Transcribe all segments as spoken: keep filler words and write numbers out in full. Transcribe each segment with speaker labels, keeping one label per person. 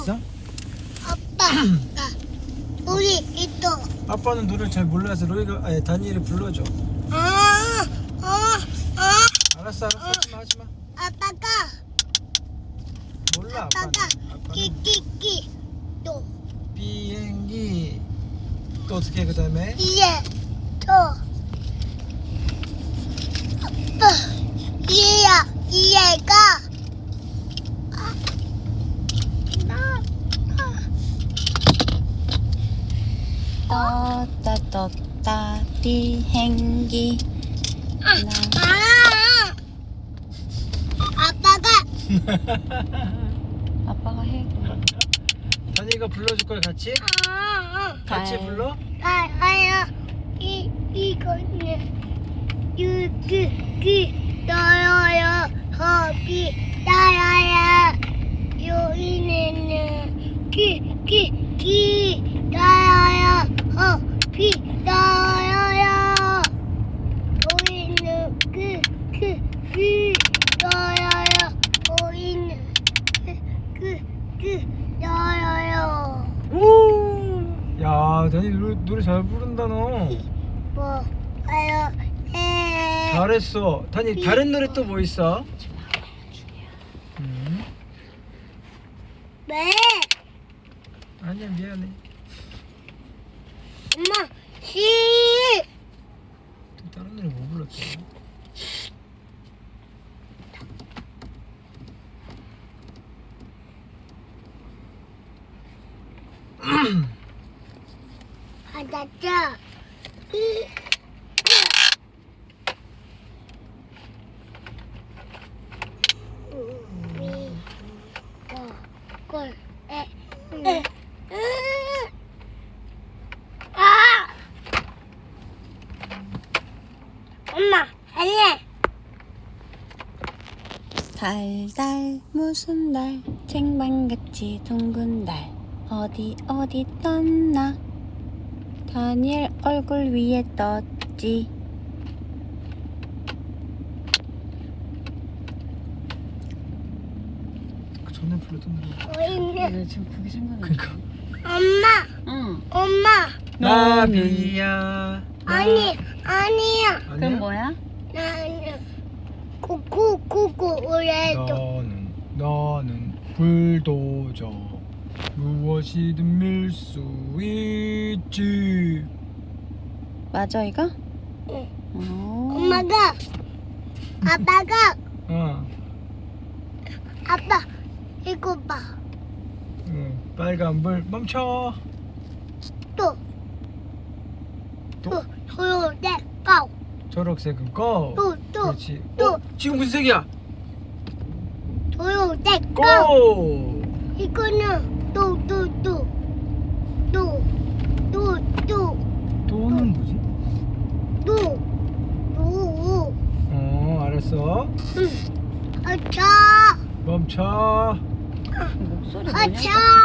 Speaker 1: 아빠, 나 우리 있어.
Speaker 2: 아빠는 노래 잘 몰라서 로이가 아니 다니엘이 불러줘.
Speaker 1: 아, 아, 아.
Speaker 2: 알았어 알았어 하지마 하지마.
Speaker 1: 아빠가,
Speaker 2: 몰라
Speaker 1: 아빠가
Speaker 2: 아빠는. 아빠는
Speaker 1: 끼끼끼 또
Speaker 2: 비행기 또 어떻게 해 그다음에?
Speaker 1: 이에 또 아빠 이에야 이에가 아, 나, 나.
Speaker 3: 떴다 떴다 비행기
Speaker 1: 아,
Speaker 3: 나
Speaker 1: 아빠가
Speaker 3: 아빠가 해.
Speaker 2: 다니엘가 불러줄 거야 같이?
Speaker 1: 아,
Speaker 2: 같이
Speaker 3: 달.
Speaker 2: 불러?
Speaker 1: 아, 아야 이 이거는 유기기 너여여 허비 나야야 요이네는 기기기 나야야 허비 나야야 요이는 그그그 나야야 요이는 그그그 나야야
Speaker 2: 오! 야 다니엘 노래, 노래 잘 부른다 너.
Speaker 1: 뭐 아요 에
Speaker 2: 잘했어. 다니엘 다른 노래 또 뭐 있어? 음.
Speaker 1: 네
Speaker 2: 아니야 미안해.
Speaker 1: 엄마 시
Speaker 2: 또 다른 노래 뭐 불렀지?
Speaker 1: 받았죠 이 꿀에 아 엄마 아니야
Speaker 3: 달달 무슨 달 쟁반같이 둥근 달 어디 어디 떴나 다니엘 얼굴 위에 떴지.
Speaker 2: 그 전에 불렀던 노래.
Speaker 1: 보이는
Speaker 3: 왜 지금 그게 생각나?
Speaker 2: 그니까.
Speaker 1: 엄마
Speaker 3: 응.
Speaker 1: 엄마
Speaker 2: 나비야.
Speaker 1: 아니 아니야
Speaker 3: 그럼 뭐야?
Speaker 1: 나는 구구구구 우레도
Speaker 2: 너는 너는 불도저 무엇이든 밀 수 있지.
Speaker 3: 맞아 이거?
Speaker 1: 응.
Speaker 3: 어.
Speaker 1: 엄마가 아빠가
Speaker 2: 어.
Speaker 1: 아빠 이거 봐.
Speaker 2: 응. 빨간불 멈춰.
Speaker 1: 또
Speaker 2: 또
Speaker 1: 또 소요대 고.
Speaker 2: 초록색은 고.
Speaker 1: 또 또
Speaker 2: 그렇지.
Speaker 1: 또.
Speaker 2: 어? 지금 무슨 색이야?
Speaker 1: 소요대 고.
Speaker 2: 고.
Speaker 1: 이거는 또 또 또 또 또 또
Speaker 2: 또는 뭐지?
Speaker 1: 또 또.
Speaker 2: 어 알았어.
Speaker 1: 응. 아차
Speaker 2: 멈춰.
Speaker 3: 목소리 뭐냐?
Speaker 1: 아차.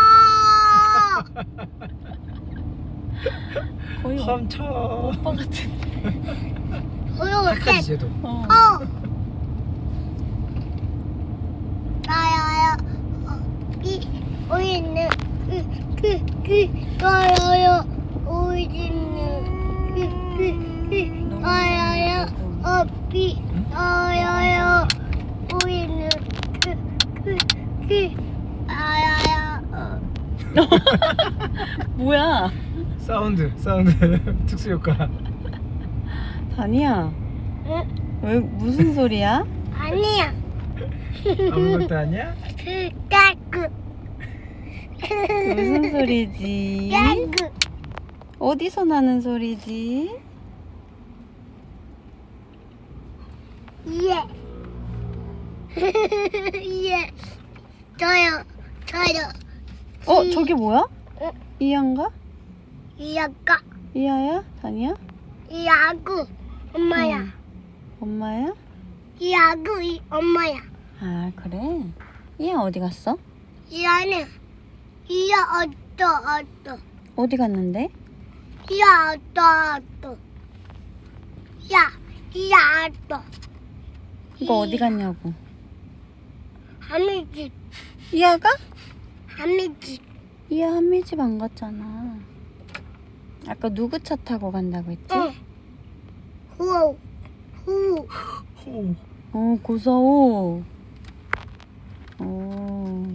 Speaker 3: 거의 오-
Speaker 2: 멈춰.
Speaker 3: 오빠 같은.
Speaker 1: 소요대.
Speaker 2: 착하지 쟤도.
Speaker 3: 어.
Speaker 1: 어. 나야야 이 우리는 그그그 나야야 우리는 그그그 나야야 어비 나야야 우리는 그그그 나야야 어.
Speaker 3: 뭐야?
Speaker 2: 사운드 사운드 특수 효과.
Speaker 3: 다니야.
Speaker 1: 응?
Speaker 3: 왜 무슨 소리야?
Speaker 1: 아니야
Speaker 2: 아무것도 아니야?
Speaker 1: 그까그
Speaker 3: 무슨 소리지?
Speaker 1: 까그
Speaker 3: 어디서 나는 소리지?
Speaker 1: 예. 예. 저요. 저요.
Speaker 3: 어 저게 뭐야?
Speaker 1: 어?
Speaker 3: 이한가?
Speaker 1: 이아까
Speaker 3: 이하야? 다니야?
Speaker 1: 이아구 엄마야.
Speaker 3: 응. 엄마야?
Speaker 1: 이아구 이 엄마야.
Speaker 3: 아 그래? 이하 어디 갔어?
Speaker 1: 이아는 이아 어떠 어떠.
Speaker 3: 어디 갔는데?
Speaker 1: 이아 어떠 어떠. 야 이아 어떠.
Speaker 3: 이거 어디 갔냐고.
Speaker 1: 하늘집
Speaker 3: 이하가?
Speaker 1: 한미지.
Speaker 3: 이야 한미 집 안 갔잖아. 아까 누구 차 타고 간다고 했지?
Speaker 1: 응. 후. 후.
Speaker 2: 호.
Speaker 3: 어 고사오. 어.